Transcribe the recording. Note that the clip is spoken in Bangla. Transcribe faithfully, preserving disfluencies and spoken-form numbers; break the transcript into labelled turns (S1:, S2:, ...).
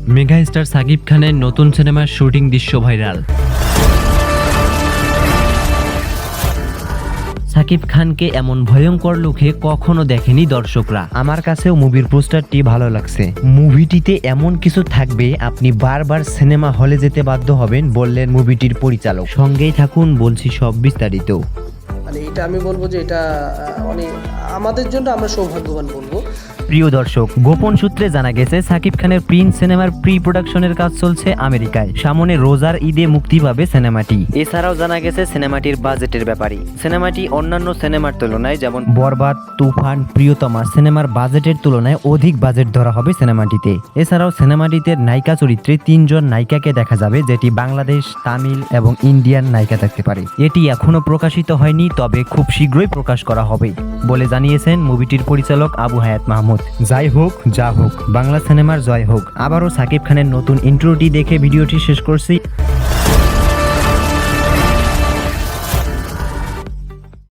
S1: মেগা স্টার সাকিব খানের নতুন সিনেমার শুটিং দৃশ্য ভাইরাল। সাকিব খানকে এমন ভয়ঙ্কর লুকে কখনো দেখেনি দর্শকরা।
S2: আমার কাছেও মুভির পোস্টারটি ভালো লাগছে। মুভিটিতে এমন কিছু থাকবে আপনি বারবার সিনেমা হলে যেতে বাধ্য হবেন, বললেন মুভিটির পরিচালক। সঙ্গেই থাকুন, বলছি সব বিস্তারিত।
S3: মানে এটা আমি বলবো যে এটা মানে আমাদের জন্য আমরা সৌভাগ্যবান বলবো।
S2: প্রিয় দর্শক, গোপন সূত্রে জানা গেছে সাকিব খানের প্রিন্স সিনেমার প্রি প্রোডাকশনের কাজ চলছে আমেরিকায়। সামনে রোজার ঈদে মুক্তি পাবে সিনেমাটি। এছাড়াও জানা গেছে সিনেমাটির বাজেটের ব্যাপারে। সিনেমাটি অন্যান্য সিনেমার তুলনায় যেমন বরবাদ, তুফান, প্রিয়তমা সিনেমার বাজেটের তুলনায় অধিক বাজেট ধরা হবে সিনেমাটিতে। এছাড়াও সিনেমাটিতে নায়িকা চরিত্রে তিনজন নায়িকাকে দেখা যাবে, যেটি বাংলাদেশ, তামিল এবং ইন্ডিয়ান নায়িকা থাকতে পারে। এটি এখনো প্রকাশিত হয়নি, তবে খুব শীঘ্রই প্রকাশ করা হবে বলে জানিয়েছেন মুভিটির পরিচালক আবু হায়াত মাহমুদ। যাই হোক, যা হোক, বাংলা সিনেমার জয় হোক। আবারও সাকিব খানের নতুন ইন্ট্রোটি দেখে ভিডিওটি শেষ করছি।